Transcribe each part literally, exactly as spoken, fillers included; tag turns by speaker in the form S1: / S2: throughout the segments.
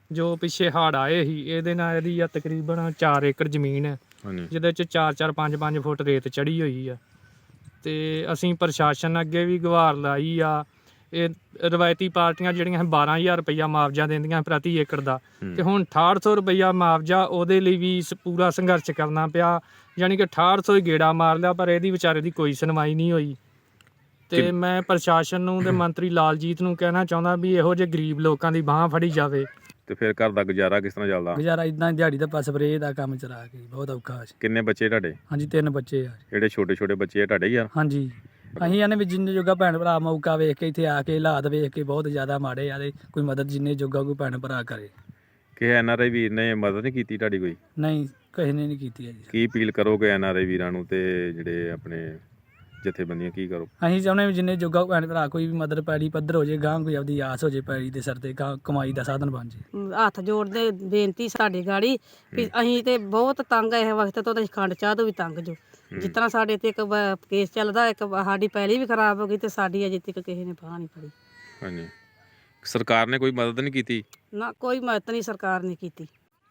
S1: ਜੋ ਪਿੱਛੇ ਹੜ੍ਹ ਆਏ ਸੀ ਇਹਦੇ ਨਾਲ ਇਹਦੀ ਆ ਤਕਰੀਬਨ ਚਾਰ ਏਕੜ ਜ਼ਮੀਨ ਹੈ ਜਿਹਦੇ 'ਚ ਚਾਰ ਚਾਰ ਪੰਜ ਪੰਜ ਫੁੱਟ ਰੇਤ ਚੜੀ ਹੋਈ ਆ। ਤੇ ਅਸੀਂ ਪ੍ਰਸ਼ਾਸਨ ਅੱਗੇ ਵੀ ਗੁਹਾਰ ਲਾਈ ਆ। ਇਹ ਰਵਾਇਤੀ ਪਾਰਟੀਆਂ ਜਿਹੜੀਆਂ ਬਾਰਾਂ ਹਜ਼ਾਰ ਰੁਪਈਆ ਮੁਆਵਜ਼ਾ ਦਿੰਦੀਆਂ ਪ੍ਰਤੀ ਏਕੜ ਦਾ, ਤੇ ਹੁਣ ਅਠਾਹਠ ਸੌ ਰੁਪਈਆ ਮੁਆਵਜ਼ਾ ਉਹਦੇ ਲਈ ਵੀ ਸ- ਪੂਰਾ ਸੰਘਰਸ਼ ਕਰਨਾ ਪਿਆ। ਯਾਨੀ ਕਿ ਅਠਾਹਠ ਸੌ ਹੀ ਗੇੜਾ ਮਾਰ ਲਿਆ, ਪਰ ਇਹਦੀ ਵਿਚਾਰੇ ਦੀ ਕੋਈ ਸੁਣਵਾਈ ਨਹੀਂ ਹੋਈ। ਤੇ ਮੈਂ ਪ੍ਰਸ਼ਾਸਨ ਨੂੰ ਤੇ ਮੰਤਰੀ ਲਾਲਜੀਤ ਨੂੰ ਕਹਿਣਾ ਚਾਹੁੰਦਾ ਵੀ ਇਹੋ ਜਿਹੇ ਗਰੀਬ ਲੋਕਾਂ ਦੀ ਬਾਂਹ ਫੜੀ ਜਾਵੇ।
S2: ਤੇ ਫਿਰ ਘਰ ਦਾ ਗੁਜ਼ਾਰਾ ਕਿਸ ਤਰ੍ਹਾਂ ਚੱਲਦਾ?
S3: ਗੁਜ਼ਾਰਾ ਇਦਾਂ ਦਿਹਾੜੀ ਦਾ ਸਪਰੇਅ ਦਾ ਕੰਮ ਚਲਾ ਕੇ ਬਹੁਤ ਔਖਾ ਸੀ।
S2: ਕਿੰਨੇ ਬੱਚੇ ਤੁਹਾਡੇ?
S3: ਹਾਂਜੀ ਤਿੰਨ ਬੱਚੇ ਆ।
S2: ਜਿਹੜੇ ਛੋਟੇ ਛੋਟੇ ਬੱਚੇ ਆ ਤੁਹਾਡੇ ਹੀ ਆ?
S3: ਹਾਂਜੀ ਅਸੀਂ ਇਹਨੇ ਵੀ ਜਿੰਨੇ ਜੋਗਾ ਭੈਣ ਭਰਾ ਮੌਕਾ ਵੇਖ ਕੇ ਇੱਥੇ ਆ ਕੇ ਹਾਲਾਤ ਵੇਖ ਕੇ ਬਹੁਤ ਜ਼ਿਆਦਾ ਮਾੜੇ ਆ ਤੇ ਕੋਈ ਮਦਦ ਜਿੰਨੇ ਜੋਗਾ ਕੋਈ ਭੈਣ ਭਰਾ ਕਰੇ।
S2: ਕਿ ਐਨ ਆਰ ਆਈ ਵੀਰ ਨੇ ਮਦਦ ਨਹੀਂ ਕੀਤੀ ਤੁਹਾਡੀ ਕੋਈ?
S3: ਨਹੀਂ ਕਿਸੇ ਨੇ ਨਹੀਂ ਕੀਤੀ ਹੈ ਜੀ।
S2: ਕੀ ਅਪੀਲ ਕਰੋਗੇ ਐਨ ਆਰ ਆਈ ਵੀਰਾਂ ਨੂੰ ਤੇ ਜਿਹੜੇ ਆਪਣੇ ਜਥੇਬੰਦੀਆਂ ਕੀ ਕਰੋ?
S3: ਅਸੀਂ ਚਾਹੁੰਦੇ ਵੀ ਜਿੰਨੇ ਜੋਗਾ ਭੈਣ ਭਰਾ ਕੋਈ ਵੀ ਮਦਦ ਪੈੜੀ ਪੱਧਰ ਹੋ ਜੇ, ਗਾਂ ਕੋਈ ਆਪਦੀ ਆਸ ਹੋ ਜੇ ਪੈੜੀ ਦੇ ਸਿਰ ਤੇ ਗਾਂਹ ਕਮਾਈ ਦਾ ਸਾਧਨ ਬਣ ਜੇ।
S4: ਹੱਥ ਜੋੜਦੇ ਬੇਨਤੀ ਸਾਡੀ ਗਾੜੀ ਵੀ ਅਸੀਂ ਤੇ ਬਹੁਤ ਤੰਗ ਆ ਇਸ ਵਕਤ ਤੋਂ, ਤੇ ਖੰਡ ਚਾਹ ਤੋਂ ਵੀ ਤੰਗ ਜੋ। ਜਿਸ ਤਰ੍ਹਾਂ ਸਾਡੇ ਤੇ ਇੱਕ ਬ- ਕੇਸ ਚੱਲਦਾ, ਇੱਕ ਸਾਡੀ ਪਹਿਲੀ ਵੀ ਖਰਾਬ ਹੋ ਗਈ ਤੇ ਸਾਡੀ ਅਜੇ ਤੱਕ ਕਿਸੇ ਨੇ ਬਾਂਹ ਨਹੀਂ ਫੜੀ।
S2: ਹਾਂਜੀ, ਸਰਕਾਰ ਨੇ ਕੋਈ ਮਦਦ ਨਹੀਂ ਕੀਤੀ?
S4: ਨਾ ਕੋਈ ਮਦਦ ਨਹੀਂ ਸਰਕਾਰ ਨੇ ਕੀਤੀ।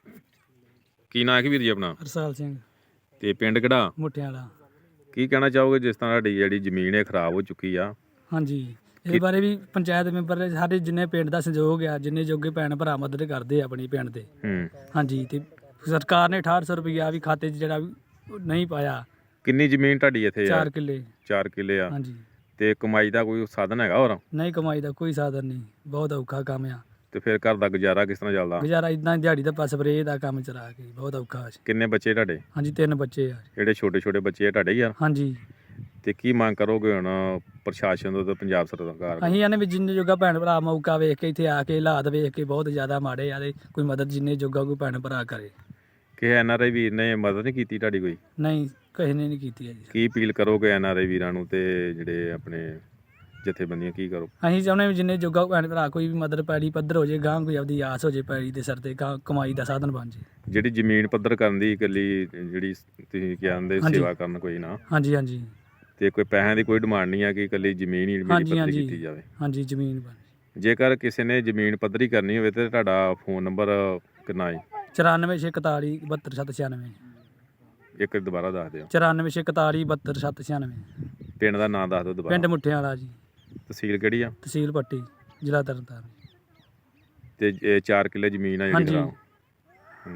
S2: ਕੀ ਨਾਂ ਹੈ ਵੀਰ ਜੀ ਆਪਣਾ?
S3: ਹਰਸਾਲ ਸਿੰਘ
S2: ਤੇ ਪਿੰਡ ਕਿਹੜਾ?
S3: ਮੁੱਠਿਆਂ ਵਾਲਾ।
S2: ਕੀ ਕਹਿਣਾ ਚਾਹੋਗੇ ਜਿਸ ਤਰ੍ਹਾਂ ਸਾਡੀ ਜਿਹੜੀ ਜ਼ਮੀਨ ਹੈ ਖਰਾਬ ਹੋ ਚੁੱਕੀ ਆ?
S3: ਹਾਂਜੀ ਇਸ ਬਾਰੇ ਵੀ ਪੰਚਾਇਤ ਮੈਂਬਰ ਸਾਡੇ ਜਿੰਨੇ ਪਿੰਡ ਦਾ ਸਹਿਯੋਗ ਆ, ਜਿੰਨੇ ਜੋਗੇ ਭੈਣ ਭਰਾ ਮਦਦ ਕਰਦੇ ਆ ਆਪਣੀ ਪਿੰਡ ਦੇ।
S2: ਹੂੰ
S3: ਹਾਂਜੀ ਤੇ ਸਰਕਾਰ ਨੇ ਅਠਾਹਠ ਸੌ ਰੁਪਈਆ ਵੀ ਖਾਤੇ 'ਚ ਜਿਹੜਾ ਵੀ ਨਹੀਂ ਪਾਇਆ।
S2: ਕਿੰਨੀ ਜ਼ਮੀਨ ਤੁਹਾਡੀ ਇੱਥੇ
S3: ਚਾਰ
S2: ਯਾਰ?
S3: ਕਿੱਲੇ।
S2: ਚਾਰ ਕਿੱਲੇ ਆ।
S3: ਹਾਂਜੀ
S2: ਤੇ ਕਮਾਈ ਦਾ ਕੋਈ ਸਾਧਨ ਹੈਗਾ ਹੋਰ?
S3: ਨਹੀਂ ਕਮਾਈ ਦਾ ਕੋਈ ਸਾਧਨ ਨਹੀਂ, ਬਹੁਤ ਔਖਾ ਕੰਮ ਆ।
S2: ਤੇ ਫਿਰ ਘਰ ਦਾ ਗੁਜ਼ਾਰਾ ਕਿਸ ਤਰ੍ਹਾਂ ਚੱਲਦਾ?
S3: ਗੁਜ਼ਾਰਾ ਇਦਾਂ ਦਿਹਾੜੀ ਦਾ ਸਪਰੇਅ ਦਾ ਕੰਮ ਚਲਾ ਕੇ ਬਹੁਤ ਔਖਾ ਸੀ।
S2: ਕਿੰਨੇ ਬੱਚੇ ਤੁਹਾਡੇ?
S3: ਹਾਂਜੀ ਤਿੰਨ ਬੱਚੇ ਆ।
S2: ਜਿਹੜੇ ਛੋਟੇ ਛੋਟੇ ਬੱਚੇ ਆ ਤੁਹਾਡੇ ਹੀ ਆ?
S3: ਹਾਂਜੀ
S2: ਤੇ ਕੀ ਮੰਗ ਕਰੋਗੇ ਹੁਣ ਪ੍ਰਸ਼ਾਸਨ ਤੋਂ ਤੇ ਪੰਜਾਬ ਸਰਕਾਰ ਤੋਂ?
S3: ਅਸੀਂ ਇਹਨੇ ਵੀ ਜਿੰਨੇ ਜੋਗਾ ਭੈਣ ਭਰਾ ਮੌਕਾ ਵੇਖ ਕੇ ਇੱਥੇ ਆ ਕੇ ਹਾਲਾਤ ਵੇਖ ਕੇ ਬਹੁਤ ਜ਼ਿਆਦਾ ਮਾੜੇ ਆ ਤੇ ਕੋਈ ਮਦਦ ਜਿੰਨੇ ਜੋਗਾ ਕੋਈ ਭੈਣ ਭਰਾ ਕਰੇ।
S2: ਕਿ ਐਨ ਆਰ ਆਈ ਵੀਰ ਨੇ ਮਦਦ ਨਹੀਂ ਕੀਤੀ ਤੁਹਾਡੀ ਕੋਈ?
S3: ਨਹੀਂ ਕਿਸੇ ਨੇ ਨਹੀਂ ਕੀਤੀ ਹੈ ਜੀ।
S2: ਕੀ ਅਪੀਲ ਕਰੋਗੇ ਐਨ ਆਰ ਆਈ ਵੀਰਾਂ ਨੂੰ ਤੇ ਜਿਹੜੇ ਆਪਣੇ ਜਥੇਬੰਦੀਆਂ ਕੀ ਕਰੋ?
S3: ਅਸੀਂ ਚਾਹੁੰਦੇ ਵੀ ਜਿੰਨੇ ਜੋਗਾ ਭੈਣ ਭਰਾ ਕੋਈ ਵੀ ਮਦਦ ਪੈੜੀ ਪੱਧਰ ਹੋ ਜੇ, ਗਾਂ ਕੋਈ ਆਪਦੀ ਆਸ ਹੋ ਜੇ ਪੈੜੀ ਦੇ ਸਿਰ ਤੇ ਗਾਂਹ ਕਮਾਈ ਦਾ ਸਾਧਨ ਬਣ ਜੇ।
S2: ਜਿਹੜੀ ਜ਼ਮੀਨ ਪੱਧਰ ਕਰਨ ਦੀ ਇਕੱਲੀ ਜਿਹੜੀ ਤੁਸੀਂ ਕਹਿੰਦੇ
S3: ਹਾਂਜੀ।
S2: ਸੇਵਾ ਕਰਨ ਕੋਈ ਨਾ,
S3: ਹਾਂਜੀ ਹਾਂਜੀ
S2: ਤੇ ਕੋਈ ਪੈਸਿਆਂ ਦੀ ਕੋਈ ਡਿਮਾਂਡ ਨਹੀਂ ਆ ਕਿ ਇਕੱਲੀ ਜ਼ਮੀਨ ਹੀ ਮੇਰੀ
S3: ਹਾਂਜੀ
S2: ਪੱਧਰੀ
S3: ਹਾਂਜੀ
S2: ਕੀਤੀ ਜਾਵੇ?
S3: ਹਾਂਜੀ ਜ਼ਮੀਨ ਬਣ।
S2: ਜੇਕਰ ਕਿਸੇ ਨੇ ਜ਼ਮੀਨ ਪੱਧਰੀ ਕਰਨੀ ਹੋਵੇ ਤੇ ਤੁਹਾਡਾ ਫੋਨ ਨੰਬਰ ਕਿੰਨਾ ਹੈ?
S3: ਚੁਰਾਨਵੇਂ ਛੇ ਇਕਤਾਲੀ ਬਹੱਤਰ ਸੱਤ ਛਿਆਨਵੇਂ।
S2: ਇੱਕ ਦੁਬਾਰਾ ਦੱਸ ਦਿਓ।
S3: ਚੁਰਾਨਵੇਂ ਛੇ ਇਕਤਾਲੀ ਬਹੱਤਰ ਸੱਤ ਛਿਆਨਵੇਂ।
S2: ਪਿੰਡ ਦਾ ਨਾਮ ਦੱਸ ਦਿਓ ਦੁਬਾਰਾ।
S3: ਪਿੰਡ ਮੁੱਠਿਆਂ ਵਾਲਾ ਜੀ,
S2: ਤਹਿਸੀਲ ਕਿਹੜੀ ਆ?
S3: ਤਹਿਸੀਲ ਪੱਟੀ, ਜ਼ਿਲ੍ਹਾ ਤਰਨਤਾਰਨ।
S2: ਤੇ ਇਹ ਚਾਰ ਕਿੱਲੇ ਜ਼ਮੀਨ ਆ ਜਿਹੜੀ
S3: ਹਾਂਜੀ।
S2: ਖਰਾਬ? ਹੂੰ।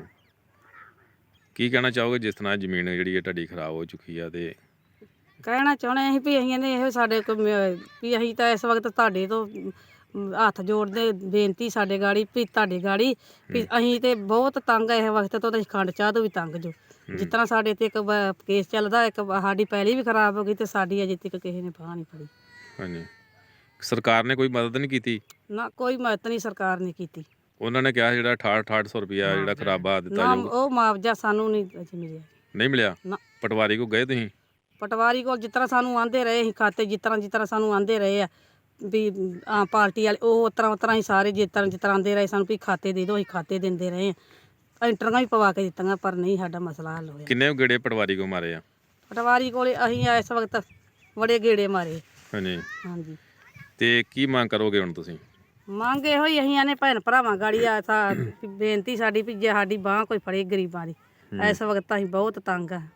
S2: ਕੀ ਕਹਿਣਾ ਚਾਹੋਗੇ ਜਿਸ ਤਰ੍ਹਾਂ ਜ਼ਮੀਨ ਜਿਹੜੀ ਹੈ ਤੁਹਾਡੀ ਖਰਾਬ ਹੋ ਚੁੱਕੀ ਆ? ਤੇ
S4: ਕਹਿਣਾ ਚਾਹੁੰਦੇ ਅਸੀਂ ਵੀ ਅਸੀਂ ਨੇ ਇਹੋ ਸਾਡੇ ਕੋਲ ਮ- ਵੀ ਅਸੀਂ ਤਾਂ ਇਸ ਵਕਤ ਤੁਹਾਡੇ ਤੋਂ ਅਮ, ਹੱਥ ਜੋੜਦੇ ਬੇਨਤੀ ਸਾਡੇ ਗਾੜੀ ਵੀ ਤੁਹਾਡੀ ਗਾੜੀ ਵੀ ਅਸੀਂ ਤੇ ਬਹੁਤ ਤੰਗ ਆ ਇਸ ਵਕਤ ਤੋਂ, ਤੇ ਖੰਡ ਚਾਹ ਤੋਂ ਵੀ ਤੰਗ ਜੋ। ਜਿਸ ਤਰ੍ਹਾਂ ਸਾਡੇ ਤੇ ਇੱਕ ਬ- ਕੇਸ ਚੱਲਦਾ, ਇੱਕ ਸਾਡੀ ਪਹਿਲੀ ਵੀ ਖਰਾਬ ਹੋ ਗਈ ਤੇ ਸਾਡੀ ਅਜੇ ਤੱਕ ਕਿਸੇ ਨੇ ਬਾਂਹ ਨਹੀਂ ਫੜੀ।
S2: ਹਾਂਜੀ, ਸਰਕਾਰ ਨੇ ਕੋਈ ਮਦਦ ਨਹੀਂ ਕੀਤੀ?
S4: ਨਾ ਕੋਈ ਮਦਦ ਨਹੀਂ ਸਰਕਾਰ ਨੇ ਕੀਤੀ।
S2: ਉਹਨਾਂ ਨੇ ਕਿਹਾ ਜਿਹੜਾ ਅਠਾਹਠ ਅਠਾਹਠ ਸੌ ਰੁਪਇਆ ਜਿਹੜਾ ਖਰਾਬਾ ਦਿੱਤਾ
S4: ਨਾ
S2: ਜਾਊਗਾ।
S4: ਉਹ ਮੁਆਵਜ਼ਾ ਸਾਨੂੰ ਨਹੀਂ ਅਜੇ ਮਿਲਿਆ।
S2: ਨਹੀਂ ਮਿਲਿਆ?
S4: ਨਾ
S2: ਪਟਵਾਰੀ ਕੋ ਗਏ ਤੁਸੀਂ?
S4: ਪਟਵਾਰੀ ਕੋਲ ਜਿਸ ਤਰ੍ਹਾਂ ਸਾਨੂੰ ਆਂਦੇ ਰਹੇ ਅਸੀਂ ਖਾਤੇ, ਜਿਸ ਤਰ੍ਹਾਂ ਜਿਸ ਤਰ੍ਹਾਂ ਸਾਨੂੰ ਆਂਦੇ ਰਹੇ ਆ ਵੀ ਆ ਪਾਰਟੀ ਵਾਲੇ, ਉਹ ਉਸ ਤਰ੍ਹਾਂ ਉਸ ਤਰ੍ਹਾਂ ਹੀ ਸਾਰੇ ਜਿਸ ਤਰ੍ਹਾਂ ਜਿਸ ਤਰ੍ਹਾਂ ਆਂਦੇ ਰਹੇ ਸਾਨੂੰ ਵੀ ਖਾਤੇ ਦੇ ਦਿਓ, ਅਸੀਂ ਖਾਤੇ ਦਿੰਦੇ ਰਹੇ ਆ। ਐਂਟਰੀਆਂ ਵੀ ਪਵਾ ਕੇ ਦਿੱਤੀਆਂ ਪਰ ਨਹੀਂ ਸਾਡਾ ਮਸਲਾ ਹੱਲ ਹੋਇਆ।
S2: ਕਿੰਨੇ ਗੇੜੇ ਪਟਵਾਰੀ ਕੋ ਮਾਰੇ ਆ?
S4: ਪਟਵਾਰੀ ਕੋਲੇ ਅਸੀਂ ਇਸ ਵਕਤ ਬੜੇ ਗੇੜੇ ਮਾਰੇ।
S2: ਹਾਂਜੀ।
S4: ਹਾਂਜੀ
S2: ਤੇ ਕੀ ਮੰਗ ਕਰੋਗੇ ਹੁਣ ਤੁਸੀਂ?
S4: ਮੰਗ ਇਹੋ ਹੀ ਅਸੀਂ ਆਨੇ ਭੈਣ ਭਰਾਵਾਂ ਗਾੜੀ ਆ ਸਾ ਵੀ ਬੇਨਤੀ ਸਾਡੀ ਵੀ ਜੇ ਸਾਡੀ ਬਾਂਹ ਕੋਈ ਫੜੇ ਗਰੀਬਾਂ ਦੀ, ਇਸ ਵਕਤ ਅਸੀਂ ਬਹੁਤ ਤੰਗ ਆ।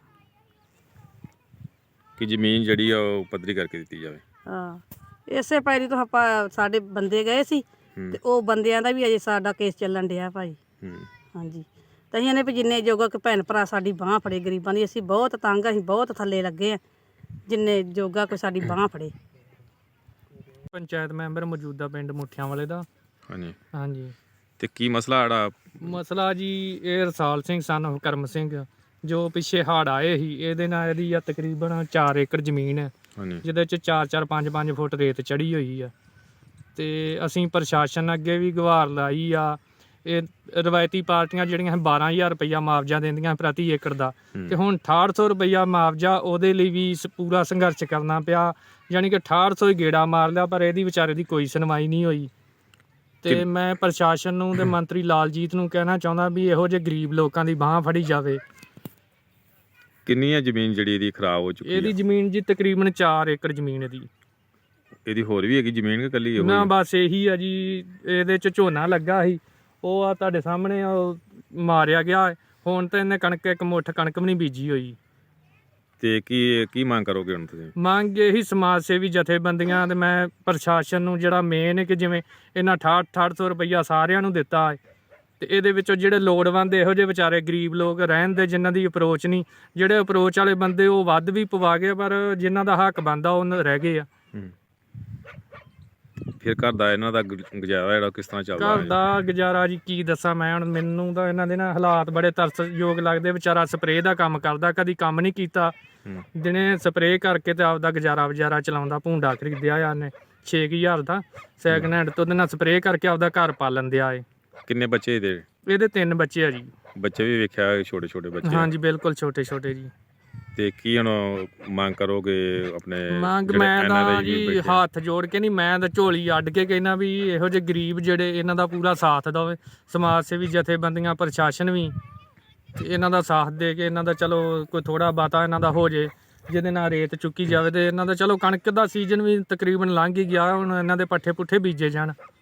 S2: ਕਿ ਜ਼ਮੀਨ ਜਿਹੜੀ ਆ ਉਹ ਪੱਧਰੀ ਕਰਕੇ ਦਿੱਤੀ ਜਾਵੇ।
S4: ਹਾਂ ਇਸੇ ਪੈਰੀ ਤੋਂ ਆਪਾਂ ਸਾਡੇ ਬੰਦੇ ਗਏ ਸੀ ਤੇ ਉਹ ਬੰਦਿਆਂ ਦਾ ਵੀ ਅਜੇ ਸਾਡਾ ਕੇਸ ਚੱਲਣ ਡਿਆ ਭਾਈ।
S2: ਹੂੰ।
S4: ਹਾਂਜੀ ਤਾਂ ਅਸੀਂ ਇਹਨੇ ਵੀ ਜਿੰਨੇ ਜੋਗਾ ਕਿ ਭੈਣ ਭਰਾ ਸਾਡੀ ਬਾਂਹ ਫੜੇ ਗਰੀਬਾਂ ਦੀ, ਅਸੀਂ ਬਹੁਤ ਤੰਗ ਆ, ਅਸੀਂ ਬਹੁਤ ਥੱਲੇ ਲੱਗੇ ਆ, ਜਿੰਨੇ ਜੋਗਾ ਕੋਈ ਸਾਡੀ ਬਾਂਹ ਫੜੇ।
S1: ਪੰਚਾਇਤ ਮੈਂਬਰ ਮੌਜੂਦਾ ਪਿੰਡ ਮੁੱਠਿਆਂ ਵਾਲੇ ਦਾ।
S2: ਹਾਂਜੀ।
S1: ਹਾਂਜੀ
S2: ਤੇ ਕੀ ਮਸਲਾ ਆੜਾ?
S1: ਮਸਲਾ ਜੀ ਇਹ ਰਸਾਲ ਸਿੰਘ ਸਨ ਕਰਮ ਸਿੰਘ ਜੋ ਪਿੱਛੇ ਹੜ੍ਹ ਆਏ ਸੀ ਇਹਦੇ ਨਾਲ ਇਹਦੀ ਆ ਤਕਰੀਬਨ ਚਾਰ ਏਕੜ ਜ਼ਮੀਨ ਹੈ
S2: ਹਾਂਜੀ।
S1: ਜਿਹਦੇ 'ਚ ਚਾਰ ਚਾਰ ਪੰਜ ਪੰਜ ਫੁੱਟ ਰੇਤ ਚੜੀ ਹੋਈ ਆ। ਤੇ ਅਸੀਂ ਪ੍ਰਸ਼ਾਸਨ ਅੱਗੇ ਵੀ ਗੁਹਾਰ ਲਾਈ ਆ। ਇਹ ਰਵਾਇਤੀ ਪਾਰਟੀਆਂ ਜਿਹੜੀਆਂ ਬਾਰਾਂ ਹਜ਼ਾਰ ਰੁਪਈਆ ਮੁਆਵਜ਼ਾ ਦਿੰਦੀਆਂ ਪ੍ਰਤੀ ਏਕੜ ਦਾ, ਤੇ ਹੁਣ ਅਠਾਹਠ ਸੌ ਰੁਪਈਆ ਮੁਆਵਜ਼ਾ ਉਹਦੇ ਲਈ ਵੀ ਸ- ਪੂਰਾ ਸੰਘਰਸ਼ ਕਰਨਾ ਪਿਆ। ਯਾਨੀ ਕਿ ਅਠਾਹਠ ਸੌ ਹੀ ਗੇੜਾ ਮਾਰ ਲਿਆ, ਪਰ ਇਹਦੀ ਵਿਚਾਰੇ ਦੀ ਕੋਈ ਸੁਣਵਾਈ ਨਹੀਂ ਹੋਈ। ਤੇ ਮੈਂ ਪ੍ਰਸ਼ਾਸਨ ਨੂੰ ਤੇ ਮੰਤਰੀ ਲਾਲਜੀਤ ਨੂੰ ਕਹਿਣਾ ਚਾਹੁੰਦਾ ਵੀ ਇਹੋ ਜਿਹੇ ਗਰੀਬ ਲੋਕਾਂ ਦੀ ਬਾਂਹ ਫੜੀ ਜਾਵੇ।
S2: ਕਿੰਨੀ ਹੈ ਜ਼ਮੀਨ ਜਿਹੜੀ ਇਹਦੀ ਖਰਾਬ ਹੋ ਚੁੱਕੀ
S1: ਇਹਦੀ
S2: ਹੈ?
S1: ਜ਼ਮੀਨ ਜੀ ਤਕਰੀਬਨ ਚਾਰ ਏਕੜ ਜ਼ਮੀਨ ਇਹਦੀ।
S2: ਇਹਦੀ ਹੋਰ ਵੀ ਹੈਗੀ ਜ਼ਮੀਨ ਕਿ ਇਕੱਲੀ ਇਹੋ ਹੀ
S1: ਨਾ
S2: ਆ?
S1: ਬਸ ਇਹੀ ਆ ਜੀ। ਇਹਦੇ 'ਚ ਝੋਨਾ ਲੱਗਾ ਸੀ, ਉਹ ਆ ਤੁਹਾਡੇ ਸਾਹਮਣੇ ਉਹ ਮਾਰਿਆ ਗਿਆ ਹੈ। ਹੁਣ ਤਾਂ ਇਹਨੇ ਕਣਕ ਇੱਕ ਮੁੱਠ ਕਣਕ ਵੀ ਨਹੀਂ ਬੀਜੀ ਹੋਈ।
S2: ਤੇ ਕੀ ਕੀ ਮੰਗ ਕਰੋਗੇ ਹੁਣ ਤੁਸੀਂ?
S1: ਮੰਗ ਇਹੀ ਸਮਾਜ ਸੇਵੀ ਜਥੇਬੰਦੀਆਂ ਤੇ ਮੈਂ ਪ੍ਰਸ਼ਾਸਨ ਨੂੰ ਜਿਹੜਾ ਮੇਨ ਹੈ ਕਿ ਜਿਵੇਂ ਇਹਨਾਂ ਅਠਾਹਠ ਅਠਾਹਠ ਸੌ ਰੁਪਈਆ ਸਾਰਿਆਂ ਨੂੰ ਦਿੱਤਾ ਹੈ ਤੇ ਇਹਦੇ ਵਿੱਚੋਂ ਜਿਹੜੇ ਲੋੜਵੰਦ ਇਹੋ ਜਿਹੇ ਵਿਚਾਰੇ ਗਰੀਬ ਲੋਕ ਰਹਿਣ ਦੇ ਜਿਨ੍ਹਾਂ ਦੀ ਅਪਰੋਚ ਨਹੀਂ, ਜਿਹੜੇ ਅਪਰੋਚ ਵਾਲੇ ਬੰਦੇ ਉਹ ਵੱਧ ਵੀ ਪਵਾ ਗਏ ਪਰ ਜਿਨ੍ਹਾਂ ਦਾ ਹੱਕ ਬਣਦਾ ਉਹ ਰਹਿ ਗਏ ਆ।
S2: ਫਿਰ ਘਰ ਦਾ ਇਹਨਾਂ ਦਾ ਗੁ- ਗੁਜ਼ਾਰਾ ਜਿਹੜਾ ਕਿਸ ਤਰ੍ਹਾਂ ਚੱਲਦਾ
S1: ਘਰ ਦਾ ਗੁਜ਼ਾਰਾ ਜੀ ਕੀ ਦੱਸਾਂ ਮੈਂ ਹੁਣ, ਮੈਨੂੰ ਤਾਂ ਇਹਨਾਂ ਦੇ ਨਾ ਹਾਲਾਤ ਬੜੇ ਤਰਸਯੋਗ ਲੱਗਦੇ। ਵਿਚਾਰਾ ਸਪਰੇਅ ਦਾ ਕੰਮ ਕਰਦਾ, ਕਦੀ ਕੰਮ ਨਹੀਂ ਕੀਤਾ,
S2: ਹੂੰ।
S1: ਦਿਨੇ ਸਪਰੇਅ ਕਰਕੇ ਤੇ ਆਪਦਾ ਗੁਜ਼ਾਰਾ ਵਜ਼ਾਰਾ ਚਲਾਉਂਦਾ। ਭੂੰਡਾ ਖਰੀਦਿਆ ਆ ਉਹਨੇ ਛੇ ਕੁ ਹਜ਼ਾਰ ਦਾ ਸੈਕਿੰਡ ਹੈਂਡ ਤੋਂ, ਉਹਦੇ ਨਾਲ ਸਪਰੇਅ ਕਰਕੇ ਆਪਦਾ ਘਰ ਪਾਲਣ ਦਿਆ ਏ।
S2: ਕਿੰਨੇ ਬੱਚੇ ਇਹਦੇ?
S1: ਇਹਦੇ ਤਿੰਨ ਬੱਚੇ ਆ ਜੀ।
S2: ਬੱਚੇ ਵੀ ਵੇਖਿਆ ਛੋਟੇ ਛੋਟੇ ਬੱਚੇ?
S1: ਹਾਂਜੀ ਬਿਲਕੁਲ ਛੋਟੇ ਛੋਟੇ ਜੀ।
S2: ਤੇ ਕੀ ਹੁਣ ਮੰਗ ਕਰੋਗੇ ਆਪਣੇ
S1: ਮੰਗ
S2: ਜਿਹੜੇ
S1: ਮੈਂ
S2: ਐਨ ਆਰ
S1: ਤਾਂ
S2: ਆਈ ਵੀਰ
S1: ਜੀ
S2: ਬੈਠੇ ਆ?
S1: ਹੱਥ ਜੋੜ ਕੇ ਨਹੀਂ, ਮੈਂ ਤਾਂ ਝੋਲੀ ਅੱਡ ਕੇ ਕਹਿਣਾ ਵੀ ਇਹੋ ਜਿਹੇ ਗਰੀਬ ਜਿਹੜੇ ਇਹਨਾਂ ਦਾ ਪੂਰਾ ਸਾਥ ਦੇਵੇ, ਸਮਾਜ ਸੇਵੀ ਜਥੇਬੰਦੀਆਂ ਪ੍ਰਸ਼ਾਸਨ ਵੀ ਤੇ ਇਹਨਾਂ ਦਾ ਸਾਥ ਦੇ ਕੇ ਇਹਨਾਂ ਦਾ ਚਲੋ ਕੋਈ ਥੋੜਾ ਬਾਤਾ ਇਹਨਾਂ ਦਾ ਹੋ ਜੇ ਜਿਹਦੇ ਨਾਲ ਰੇਤ ਚੁੱਕੀ ਜਾਵੇ ਤੇ ਇਹਨਾਂ ਦਾ ਚਲੋ ਕਣਕ ਦਾ ਸੀਜ਼ਨ ਵੀ ਤਕਰੀਬਨ ਲੰਘ ਹੀ ਗਿਆ। ਹੁਣ ਇਹਨਾਂ ਦੇ ਪੱਠੇ ਪੁੱਠੇ ਬੀਜੇ ਜਾਣ।